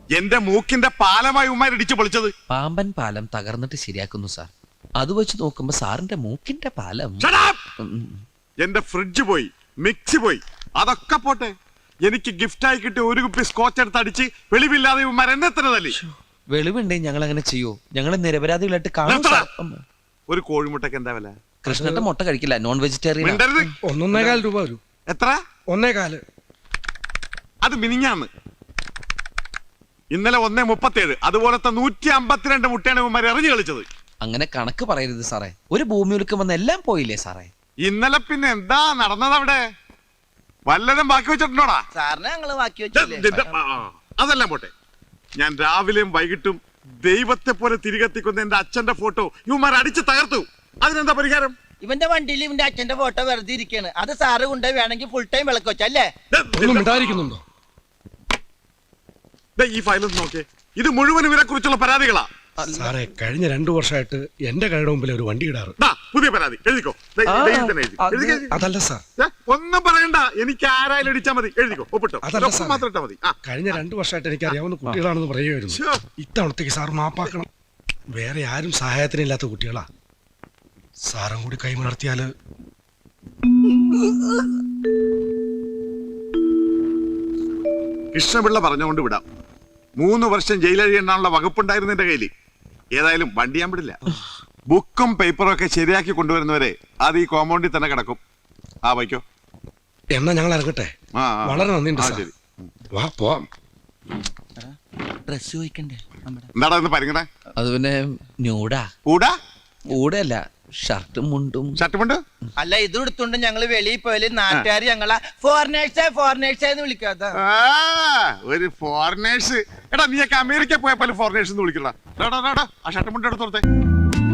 എന്റെ മൂക്കിന്റെ പാലമായി ഉമ്മാർ ഇടിച്ചു പൊളിച്ചത്. പാമ്പൻ പാലം തകർന്നിട്ട് ശരിയാക്കുന്നു സാർ. അത് വെച്ച് നോക്കുമ്പോ സാറിന്റെ മൂക്കിന്റെ പാലം. എന്റെ ഫ്രിഡ്ജ് പോയി, മിക്സി പോയി, അതൊക്കെ പോട്ടെ. എനിക്ക് ഗിഫ്റ്റായി കിട്ടിയ ഒരു കുപ്പി സ്കോച്ച് എടുത്ത് അടിച്ച് വെളിവില്ലാതെ ഉമ്മാർ എന്നെ തന്നെ തല്ലി. വെളിവുണ്ടെങ്കിൽ ഞങ്ങൾ അങ്ങനെ ചെയ്യോ? ഞങ്ങളെ നിരപരാധികളായിട്ട് കാണും. ഒരു കോഴിമുട്ടക്ക് എന്താ വില? കൃഷ്ണന്റെ മുട്ട കഴിക്കില്ല, നോൺ വെജിറ്റേറിയൻ. 1.25 രൂപ വരും. എത്ര? 1.25. അത് മിനിഞ്ഞാന്ന്. ഇന്നലെ 1.37. അതുപോലത്തെ 152 മുട്ടയാണ് ഉമ്മാർ എറിഞ്ഞു കളിച്ചത്. അങ്ങനെ കണക്ക് പറയരുത് സാറേ. ഒരു ഭൂമി ഉലുക്കം വന്ന് എല്ലാം പോയില്ലേ സാറേ? ഇന്നലെ പിന്നെ എന്താ നടന്നത് അവിടെ? വല്ലതും ബാക്കി വെച്ചിട്ടുണ്ടോടാ? സാറിനെ ഞങ്ങള് ബാക്കി വെച്ചില്ലേ? അതെല്ലാം പോട്ടെ. ഞാൻ രാവിലെയും വൈകിട്ടും ദൈവത്തെ പോലെ തിരികെത്തിക്കുന്ന എന്റെ അച്ഛന്റെ ഫോട്ടോ ഇവന്മാർ അടിച്ച് തകർത്തു. അതിനെന്താ പരിഹാരം? ഇവന്റെ വണ്ടിയിൽ ഇവന്റെ അച്ഛന്റെ ഫോട്ടോ വെറുതെ ഇരിക്കാണ്. അത് സാറ് കൊണ്ട് വേണമെങ്കിൽ ഫുൾ ടൈം വിളക്ക് വെച്ചല്ലേ? ഈ ഫയലൊന്ന് നോക്കിയേ. ഇത് മുഴുവൻ ഇവരെ കുറിച്ചുള്ള പരാതികളാ സാറേ. കഴിഞ്ഞ 2 വർഷമായിട്ട് എന്റെ കടയുടെ മുമ്പിൽ ഒരു വണ്ടി ഇടാറ്. പുതിയ പരാതി എഴുതിക്കോ. അതല്ല സാർ, ഒന്നും പറയണ്ട. എനിക്ക് ആരായാലും ഇടിച്ചാ മതി. എഴുതിക്കോ, ഒപ്പിട്ടോ. അതല്ല സാർ, മാത്രം ഇട്ടാ മതി. കഴിഞ്ഞ 2 വർഷമായിട്ട് എനിക്ക് അറിയാവുന്ന കുട്ടികളാണെന്ന് പറയുമായിരുന്നു. ഇത്തവണത്തേക്ക് സാർ മാപ്പാക്കണം. വേറെ ആരും സഹായത്തിനില്ലാത്ത കുട്ടികളാ. സാറും കൂടി കൈമലർത്തിയാല്. കൃഷ്ണപിള്ള പറഞ്ഞുകൊണ്ട് വിടാം. 3 വർഷം ജയിലഴിയെണ്ണാനുള്ള വകുപ്പുണ്ടായിരുന്നു എന്റെ കയ്യിൽ. ഏതായാലും വണ്ടി ഞാൻ വിടില്ല. ബുക്കും പേപ്പറും ഒക്കെ ശരിയാക്കി കൊണ്ടുവരുന്നവരെ അത് ഈ കോമ്പൗണ്ടിൽ തന്നെ കിടക്കും. വയ്ക്കോ. എന്നാ ഞങ്ങൾ ഇറങ്ങട്ടെ. വളരെ നന്ദിയുണ്ട് സാർ. വാ പോവാം. ഡ്രസ് ചോദിക്കണ്ടേ? എന്താടാ ഇന്ന് പരിങ്ങണേ? അത് പിന്നെ ന്യൂഡാ. കൂടാ കൂടല്ല, ഷർട്ടും മുണ്ടും. ഷർട്ടും മുണ്ട് അല്ല, ഇത് എടുത്തോണ്ട് ഞങ്ങള് വെളിയിൽ പോയാല് നാട്ടുകാർ ഞങ്ങളെ ഫോറിനേഴ്സ് വിളിക്കാത്ത. ഒരു ഫോറിനേഴ്സ്. എടാ നീയൊക്കെ അമേരിക്ക പോയപ്പോൾ ഫോറിനേഴ്സ് എന്ന് വിളിക്കണ്ട. ആ ഷർട്ടും മുണ്ട് എടുത്തോളത്തെ.